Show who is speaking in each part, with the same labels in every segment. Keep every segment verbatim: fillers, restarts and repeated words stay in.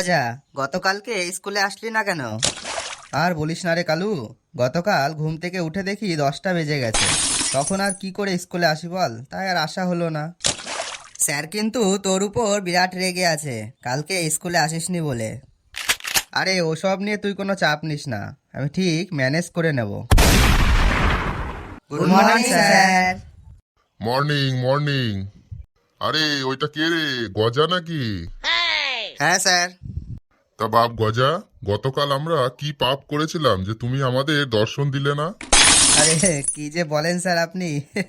Speaker 1: গজা, গতকালকে স্কুলে আসলি না কেন? আর বলিস না রে কালু, গতকাল ঘুম থেকে উঠে দেখি দশটা বেজে গেছে। তখন আর কি করে স্কুলে আসি বল, তাই আর আসা হলো না। স্যার কিন্তু তোর উপর বিরাট রেগে আছে, কালকে স্কুলে আসিসনি বলে। আরে ওসব নিয়ে তুই কোনো চাপ নিস না, আমি ঠিক ম্যানেজ করে নেব। Good morning sir.
Speaker 2: Morning morning. আরে ওইটা কে রে, গজা নাকি?
Speaker 1: হ্যাঁ স্যার।
Speaker 2: তা বাপ গজা, গতকাল আমরা কি পাপ করেছিলাম যে তুমি আমাদের দর্শন দিলে না?
Speaker 1: আরে কি যে বলেন স্যার আপনি।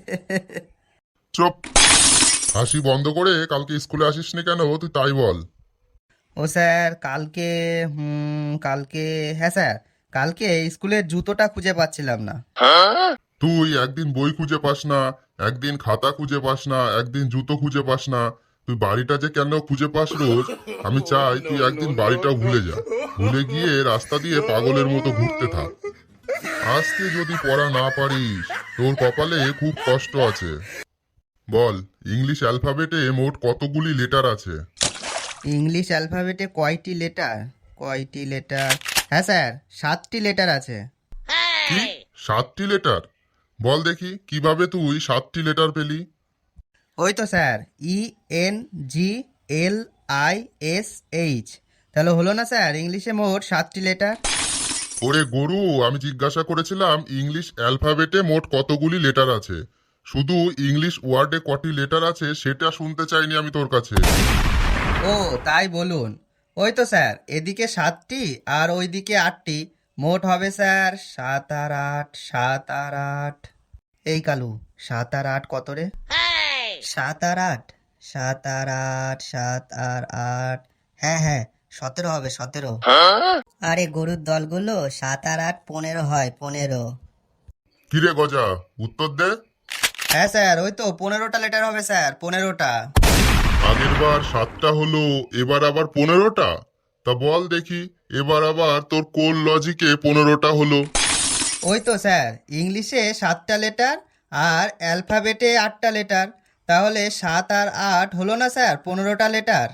Speaker 2: চুপ, হাসি বন্ধ করে কালকে স্কুলে আসিসনি কেন তুই তাই বল।
Speaker 1: ও স্যার কালকে, হুম কালকে, হ্যাঁ স্যার, কালকে স্কুলের জুতোটা খুঁজে পাচ্ছিলাম না।
Speaker 2: তুই একদিন বই খুঁজে পাস না, একদিন খাতা খুঁজে পাস না, একদিন জুতো খুঁজে পাস না। তুই বাড়িটা যে কেন খুঁজে পাস রোজ, আমি চাই তুই একদিন বাড়িটাও ভুলে যা। ভুলে গিয়ে রাস্তা দিয়ে পাগলের মতো ঘুরতে থাক। আজকে যদি পড়া না পারিস, তোর কপালে খুব কষ্ট আছে। বল, ইংলিশ অ্যালফাবেটে মোট কতগুলি লেটার আছে?
Speaker 1: ইংলিশ অ্যালফাবেটে কয়টি লেটার? কয়টি লেটার হ্যাঁ স্যার, সাতটি লেটার আছে।
Speaker 2: কি, সাতটি লেটার? বল দেখি কিভাবে তুই সাতটি লেটার পেলি?
Speaker 1: ওই তো sir, E N G L I S H. তাহলে হলো না স্যার ইংলিশে মোট সাতটি লেটার?
Speaker 2: ওরে গরু, আমি জিজ্ঞাসা করেছিলাম ইংলিশ অ্যালফাবেটে মোট কতগুলি লেটার আছে। শুধু ইংলিশ ওয়ার্ডে কটি লেটার আছে সেটা শুনতে চাইনি আমি তোর কাছে।
Speaker 1: ও তাই বলুন। ওই তো স্যার, এদিকে সাতটি আর ওইদিকে আটটি, মোট হবে স্যার সাত আর আট, সাত আর আট। এই কালু, সাত আর আট কত রে? সাত আর আট, সাত আর আট, সাত আর আট, হ্যাঁ হ্যাঁ, সতেরো হবে, সতেরো। আরে গরুর দলগুলো, সাত আর আট পনেরো হয়, পনেরো।
Speaker 2: কিরে গজা, উত্তর দে।
Speaker 1: হ্যাঁ স্যার, ওই তো পনেরোটা লেটার হবে স্যার, পনেরোটা।
Speaker 2: আগের বার সাতটা হলো, এবার আবার পনেরোটা? তা বল দেখি, এবার আবার তোর কোন লজিকে পনেরোটা হলো?
Speaker 1: ওই তো স্যার, ইংলিশে সাতটা লেটার আর অ্যালফাবেটে আটটা লেটার, তাহলে সাত আর আট হলো না স্যার পনেরোটা লেটার।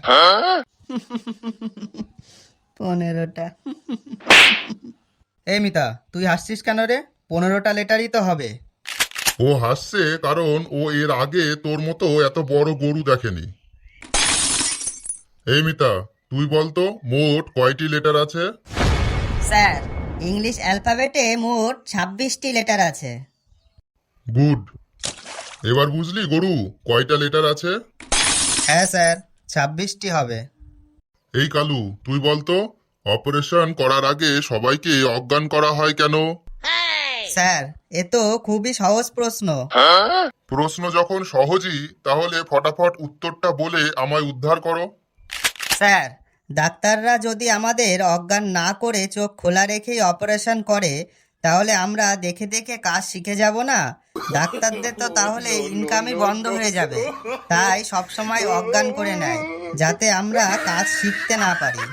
Speaker 1: পনেরোটা। এই মিতা, তুই হাসছিস কেন রে? পনেরোটা লেটারই তো হবে।
Speaker 2: ও হাসছে কারণ ও এর আগে তোর মতো এত বড় গরু দেখেনি। এই মিতা, তুই বলতো মোট কয়টি লেটার আছে?
Speaker 1: স্যার, ইংলিশ অ্যালফাবেটে মোট ছাব্বিশটি লেটার আছে।
Speaker 2: গুড। এবার বুঝলি গরু কয়টা লেটার আছে?
Speaker 1: হ্যাঁ স্যার, ছাব্বিশটি হবে।
Speaker 2: এই কালু, তুই বলতো অপারেশন করার আগে সবাইকে অজ্ঞান করা হয় কেন?
Speaker 1: স্যার, এ তো খুবই সহজ প্রশ্ন।
Speaker 2: প্রশ্ন যখন সহজই, তাহলে ফটাফট উত্তরটা বলে আমায় উদ্ধার করো।
Speaker 1: স্যার, ডাক্তাররা যদি আমাদের অজ্ঞান না করে চোখ খোলা রেখেই অপারেশন করে, তাহলে আমরা দেখে দেখে কাজ শিখে যাব না? ডাক্তারদের তো তাহলে ইনকামই বন্ধ হয়ে যাবে। তাই সবসময় অজ্ঞান করে নেয়, যাতে আমরা কাজ শিখতে না পারি।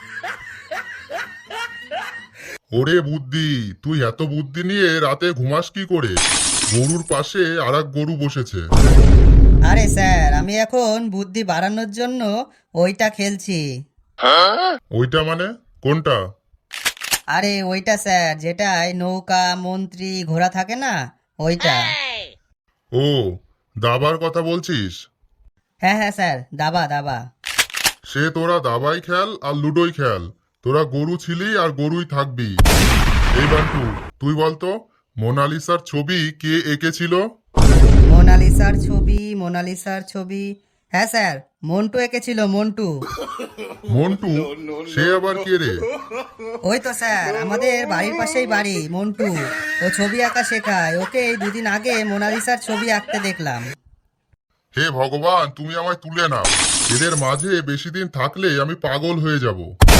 Speaker 2: ওরে বুদ্ধি, তুই এত বুদ্ধি নিয়ে রাতে ঘুমাস কি করে? গরুর পাশে আর এক গরু বসেছে।
Speaker 1: আরে স্যার, আমি এখন বুদ্ধি বাড়ানোর জন্য ওইটা খেলছি।
Speaker 2: ওইটা মানে কোনটা?
Speaker 1: আরে ওইটা স্যার, যেটায় নৌকা, মন্ত্রী, ঘোড়া থাকে না, ওইটা।
Speaker 2: ও, দাবার কথা বলছিস?
Speaker 1: হ্যাঁ হ্যাঁ স্যার, দাবা দাবা।
Speaker 2: সে তোরা দাবাই খেল আর লুডোই খেল, তোরা গরু ছিলি আর গরুই থাকবি। এই বান্টু, তুই বলতো মোনালিসার ছবি কে এঁকেছিল?
Speaker 1: মোনালিসার ছবি, মোনালিসার ছবি, হ্যাঁ স্যার, মন্টু এঁকেছিল, মন্টু।
Speaker 2: মন্টু? সে আবার কে রে?
Speaker 1: ওই তো স্যার, আমাদের বাড়ির পাশেই বাড়ি, মন্টু। ও ছবি আঁকা শেখায়, ওকে এই দুদিন আগে মোনালিসার ছবি আঁকতে দেখলাম।
Speaker 2: হে ভগবান, তুমি আমায় তুলে নাও, এদের মাঝে বেশি দিন থাকলে আমি পাগল হয়ে যাব।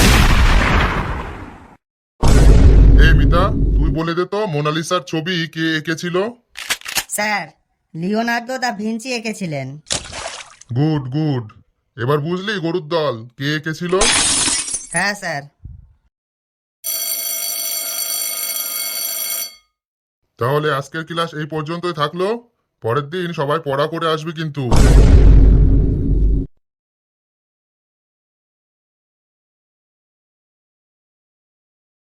Speaker 2: এই মিতা, তুই বলে দে তো মোনালিসার ছবি কে এঁকেছিল?
Speaker 1: স্যার, লিওনার্দো দা ভিঞ্চি এঁকেছিলেন।
Speaker 2: Good good. এবার বুঝলি গরুর দল কে এঁকেছিল?
Speaker 1: হ্যাঁ স্যার।
Speaker 2: তাহলে আজকের ক্লাস এই পর্যন্তই থাকলো। পরের দিন সবাই পড়া করে আসবি কিন্তু।